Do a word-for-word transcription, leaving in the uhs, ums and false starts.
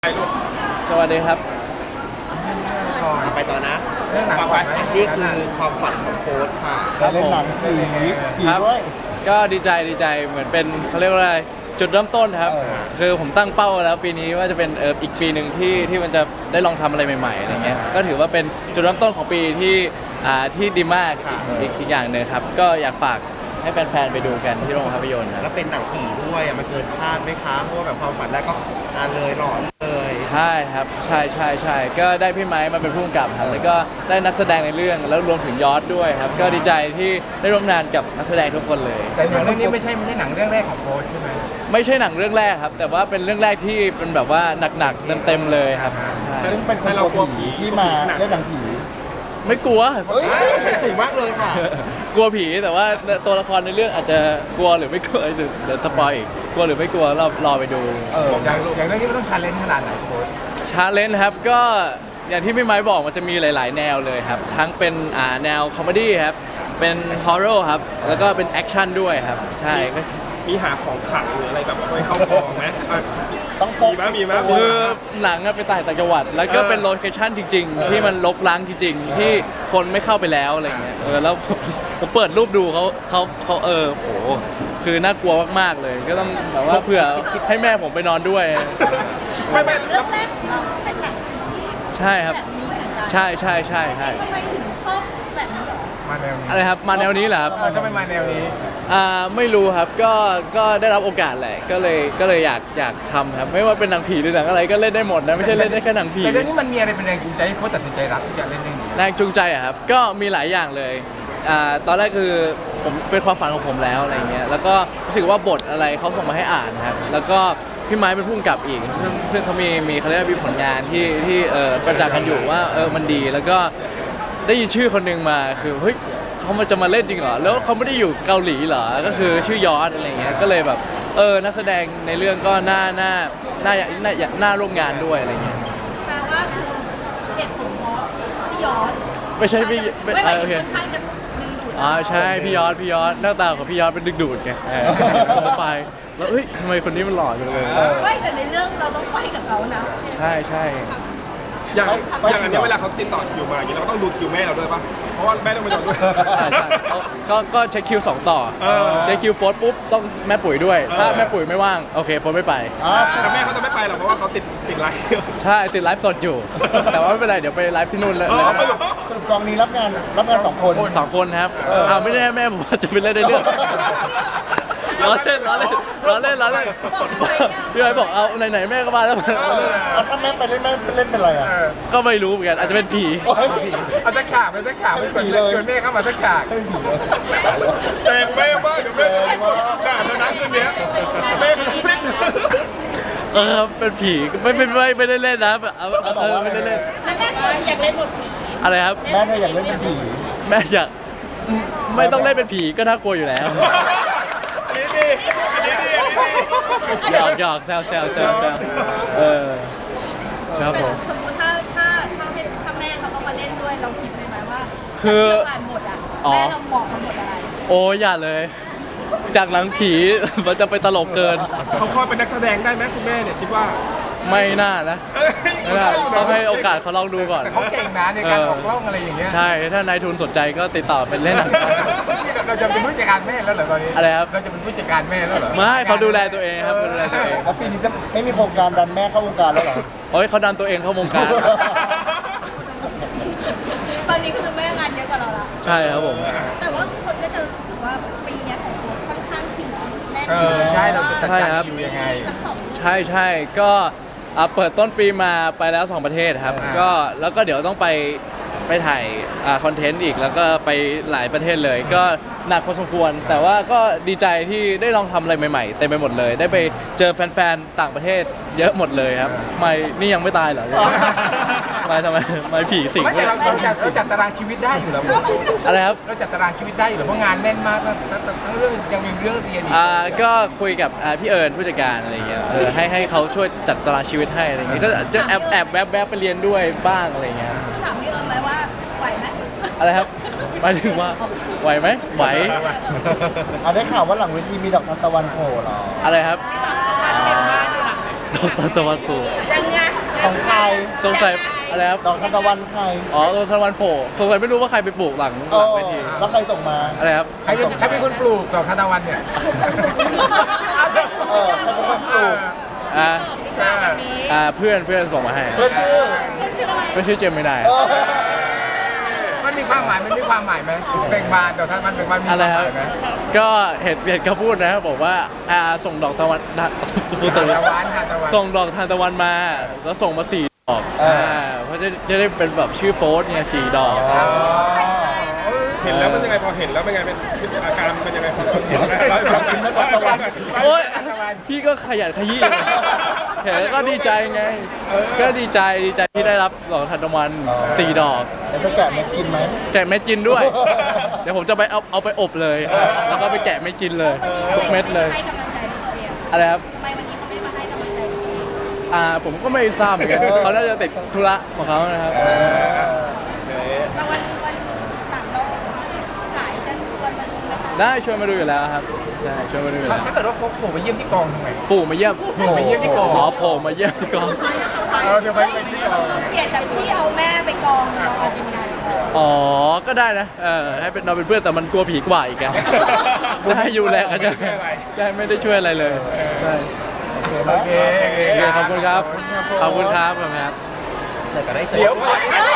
สวัสดีครับก่อนไปต่อนะเรื่องหนังก่อนไหมนี่คือความฝันของโค้ชค่ะครับผมเล่นหนังผีผีครับด้วยก็ดีใจดีใจเหมือนเป็นเขาเรียกว่าอะไรจุดเริ่มต้นครับเออคือผมตั้งเป้าแล้วปีนี้ว่าจะเป็นเอออีกปีหนึ่งที่ที่มันจะได้ลองทำอะไรใหม่ๆอะไรเงี้ยก็ถือว่าเป็นจุดเริ่มต้นของปีที่อ่าที่ดีมากอีกอีกอย่างหนึ่งครับก็อยากฝากให้แฟนๆไปดูกันที่โรงภาพยนตร์คแล้รับวเป็นหนังผีด้วยอ่ะมันเกินคาดไหมคะเพราะว่าแบบความฝันแรกก็อ่านเลยหลอนเลยใช่ครับใช่ใช่ใช่ก็ได้พี่ไม้มาเป็นผู้กำกับครับแล้วก็ได้นักแสดงในเรื่องแล้วรวมถึงยอดด้วยครับก็ดีใจที่ได้ร่วมงานกับนักแสดงทุกคนเลยแต่หนังเรื่องนี้ไม่ใช่ไม่ใช่หนังเรื่องแรกของโค้ชใช่ไหมไม่ใช่หนังเรื่องแรกครับแต่ว่าเป็นเรื่องแรกที่เป็นแบบว่าหนักๆเต็มๆเลยครับใช่ซึ่งเป็นคนกลัวผีที่มาเล่นหนังผีไม่กลัวเฮ้ยสูงมากเลยค่ะกลัวผีแต่ว่าตัวละครในเรื่องอาจจะกลัวหรือไม่กลัวเดี๋ยวเดี๋ยวสปอยอีกกลัวหรือไม่กลัวเรารอไปดูเอออย่างอย่างเรื่องนี้มันต้องชาเลนจ์ขนาดไหนโค้ชชาเลนจ์ครับก็อย่างที่พี่ไม้บอกมันจะมีหลาย ๆ แนวเลยครับทั้งเป็นอ่าแนวคอมเมดี้ครับเป็นฮอร์เรอร์ครับแล้วก็เป็นแอคชั่นด้วยครับใช่ก็มีหาของขลังหรืออะไรแบบไว้เข้ากองไหมอ่ะต้องพมีกไหมมีไหมคือหนังอะไปถ่ายต่างจังหวัด แล้วก็เป็นโลเคชั่นจริง ๆ ที่มันลกล้างจริง ๆ ที่คนไม่เข้าไปแล้วอะไรเงี้ยเออแล้วผมผมเปิดรูปดูเขาเขาเขาเออโหคือน่ากลัวมากๆเลย ก็ต้องแบบว่าเผื่อให้แม่ผมไปนอนด้วยไม่ไม่เรื่องแรกของเราเป็นหนังผีใช่ครับแบบนี้เหมือนกันใช่ใช่ใช่ใช่ทำไมถึงชอบแบบนี้เหรอมาแนวนี้อะไรครับมาแนวนี้เหรอครับมันจะไม่มาแนวนี้อ่าไม่รู้ครับก็ก็ได้รับโอกาสแหละก็เลยก็เลยอยากอยากทำครับไม่ว่าเป็นหนังผีหรือหนังอะไรก็เล่นได้หมดนะไม่ใช่เล่นได้แค่หนังผีแต่เรื่องนี้มันมีอะไรเป็นแรงจูงใจให้โค้ชตัดสินใจรับที่จะเล่นเรื่องนี้แรงจูงใจอะครับก็มีหลายอย่างเลยอ่าตอนแรกคือผมเป็นความฝันของผมแล้วอะไรเงี้ยแล้วก็รู้สึกว่าบทอะไรเขาส่งมาให้อ่านนะครับแล้วก็พี่ไม้เป็นผู้กำกับอีกซึ่งซึ่งเขามีมีเขาเรียกว่ามีผลงานที่ที่เออประจักษ์กันอยู่ว่าเออมันดีแล้วก็ได้ยินชื่อคนหนึ่งมาคือเฮ้ยเขามาจะมาเล่นจริงเหรอแล้วเขาไม่ได้อยู่เกาหลีเหรอก็คือชื่อยอดอะไรเงี้ยก็เลยแบบเออนักแสดงในเรื่องก็น่าน่าน่าน่าน่าร่วมงานด้วยอะไรเงี้ยแปลว่าคือเหตุผลเพราะพี่ยอดไม่ใช่พี่ไม่ไม่เอไม่อโอเคค่อนข้างจะดึงดูดอ๋อใช่พี่ยอดพี่ยอดหน้าตาของพี่ยอดเป็นดึกดูดไงเออโปรไฟล์แล้วเฮ้ยทำไมคนนี้มันหล่อจังเลยไม่แต่ในเรื่องเราต้องไฟกับเขานะใช่ใช่อย่างอย่างอันเนี้ยเวลาเขาติดต่อคิวมาอย่างนี้เราก็ต้องดูคิวแม่เราด้วยป่ะเพราะว่าแม่ต้องไปนอนด้วยใช่ใช่เขาก็ก็เช็คคิวสองต่อเออเช็คคิวโฟร์ปุ๊บต้องแม่ปุ๋ยด้วย ถ้าแม่ปุ๋ยไม่ว่างโอเคโฟร์ไม่ไปอ๋อแต่แม่เขาจะไม่ไปหรอกเพราะว่าเขาติดติดไลฟ์ใช่ติดไลฟ์สดอยู่ แต่ว่าไม่เป็นไรเดี๋ยวไปไลฟ์ที่นู่นเลยอ๋อไม่หรอกสรุปกองนี้รับงานรับงานสองคนสองคนครับอ้าวไม่แน่แม่ผมว่าจะไปเล่นในเรื่องล้อเล่นล้อเล่นล้อเล่นล้อเล่นพี่ไอ้บอกเอาไหนๆแม่ก็มาแล้วเอาถ้าแม่ไปเล่นแม่เล่นเป็นอะไรอ่ะก็ไม่รู้เหมือนกันอาจจะเป็นผีเอาตะขาบเป็นตะขาบเป็นผีเลยชวนแม่เข้ามาตะขาบเป็นผีเลยแต่แม่บ้างเดี๋ยวแม่จะไม่สดด่าเธอนะคืนเนี้ยแม่เขาจะไม่เออเป็นผีไม่ไม่ไม่ไม่ได้เล่นนะแบบเอาเออไม่ได้เล่นแล้วแม่เคยอยากเล่นบทผีอะไรครับแม่เธออยากเล่นเป็นผีแม่อยากไม่ต้องเล่นเป็นผีก็น่ากลัวอยู่แล้วอันนี้ดีอันนี้ดีอันนี้ดีหยอกหยอกแซวแซวแซวแซวเออครับผมสมมติถ้าถ้าถ้าให้ถ้าแม่เขาต้องมาเล่นด้วยเราคิดไหมไหมว่าคือผ่านบทอ่ะอ๋อแม่เราเหมาะกับบทอะไรโอ้ยอย่าเลย จากหนังผี มันจะไปตลกเกินเขาพอเป็นนักแสดงได้ไหมคุณแม่เนี่ยคิดว่าไม่น่านะเอ้ยไม่น่าต้องให้โอกาสเขาลองดูก่อนแต่เขาเก่งนะในการออกกล้องอะไรอย่างเงี้ยใช่ถ้านายทุนสนใจก็ติดต่อเป็นเล่นหนังเราจะเป็นผู้จัดการแม่แล้วเหรอตอนนี้อะไรครับเราจะเป็นผู้จัดการแม่แล้วเหรอไม่เขาดูแลตัวเองครับเขาดูแลตัวเองแล้วปีนี้จะไม่มีโครงการดันแม่เข้าวงการแล้วเหรอโอ้ยเขาดันตัวเองเข้าวงการตอนนี้คือแม่งานเยอะกว่าเราละใช่ครับผมแต่ว่าคนก็จะรู้สึกว่าปีเนี้ยของโค้ชค่อนข้างคิวแน่นเออใช่เราจะจัดใช่การครับคิวยังไงทั้งสองใช่ใช่ก็อ่าเปิดต้นปีมาไปแล้วสองประเทศครับอ่าก็แล้วก็เดี๋ยวต้องไปไปถ่ายคอนเทนต์อีกแล้วก็ไปหลายประเทศเลย ก็หนักพอสมควร แต่ว่าก็ดีใจที่ได้ลองทำอะไรใหม่ๆเต็มไปหมดเลย ได้ไปเจอแฟนๆต่างประเทศเยอะหมดเลยครับไม่นี่ยังไม่ตายเหรอไม่ทำไมไม่ผีสิงไม่แต่เราเราจัดเราจัดตารางชีวิตได้อยู่แล้วอะไรครับเราจัดตารางชีวิตได้อยู่แล้วเพราะงานแน่นมากทั้งทั้งทั้งเรื่องยังมีเรื่องเรียนอีกอ่าก็คุยกับอ่าพี่เอิญผู้จัดการอะไรเงี้ยเออให้ให้เขาช่วยจัดตารางชีวิตให้อะไรเงี้ยก็จะแอบแอบแวบแวบไปเรียนด้วยบ้างอะไรเงี้ยถามพี่เอิญไหมว่าไหวไหมอะไรครับหมายถึงว่าไหวไหมไหวอ่ะได้ข่าวว่าหลังเวทีมีดอกทานตะวันโผล่เหรออะไรครับเต็มบ้านอยู่นะดอกตะวันตกยังไงสงสัยอะไรครับดอกทานตะวันใครอ๋อต้นทานตะวันโผล่สงสัยไม่รู้ว่าใครไปปลูกหลังหลังเวทีแล้วใครส่งมาอะไรครับใครเป็นใครเป็นคนปลูกดอกทานตะวันเนี่ยเออใครเป็นคนปลูกอ่าวันนี้อ่าเพื่อนเพื่อนส่งมาให้เพื่อนชื่อชื่ออะไรไม่ชื่อเจมไม่ได้เออมันมีความหมายมันมีความหมายไหมเบ่งบานดอกทานตะวันเบ่งบานมีคอะวามไรหครับมายไหมก็เห็นเห็นเขาพูดนะบอกว่าอ่าส่งดอกตะวันพูดทาตนรงตะวันทานตะวันส่งดอกทานตะวันมา แล้วส่งมาสี่ดอกเอออ่อ่าเพราะจะจะได้เป็นแบบชื่อโฟสเนี่ยสี่ดอกอ๋อเห็นแล้วมันยังไงพอเห็นแล้วเป็นไงเป็นอาการมันเป็นยังไงพอเห็นแล้วโอ๊ยพี่ก็ขยันขยี้เห็นแล้วก็ดีใจไง ก็ดีใจดีใจที่ได้รับดอกทานตะวันสี่ดอกแล้วจะแกะมากินไหมแกะเม็ดกินด้วย เดี๋ยวผมจะไปเอาเอาไปอบเลย แล้วก็ไปแกะเม็ดกินเลย ทุกเม็ดเลยให้กำลังใจพี่เบียร์อะไรครับทำไมวันนี้เขาไม่มาให้กำลังใจพี่อ่าผมก็ไม่ทราบเหมือนกันเขาน่าจะติดธุระของเขานะครับแต่วันวันหลังเราขายกันชวนมาดูไหมคะได้ชวนมาดูอยู่แล้วครับใช่ชวนมาดูอยู่แล้วถ้าเกิดว่าพกผมไปเยี่ยมที่กองทำไมปู่มาเยี่ยมปู่มาเยี่ยมที่กองอ๋อโผล่มาเยี่ยมที่กองเราจะไปเป็นที่กองเปลี่ยนจากพี่เอาแม่ไปกองเราเอาทีมงานอ๋อ ก็ได้นะ เออให้เป็นเราเป็นเพื่อนแต่มันกลัวผีกว่าอีกอะจะให้อยู่แลกันจะใช่ไม่ได้ช่วยอะไรเลยใช่โอเคโอเคขอบคุณครับ ขอบคุณครับขอบคุณครับใส่ก็ได้ใส่เดี๋ยวเอ้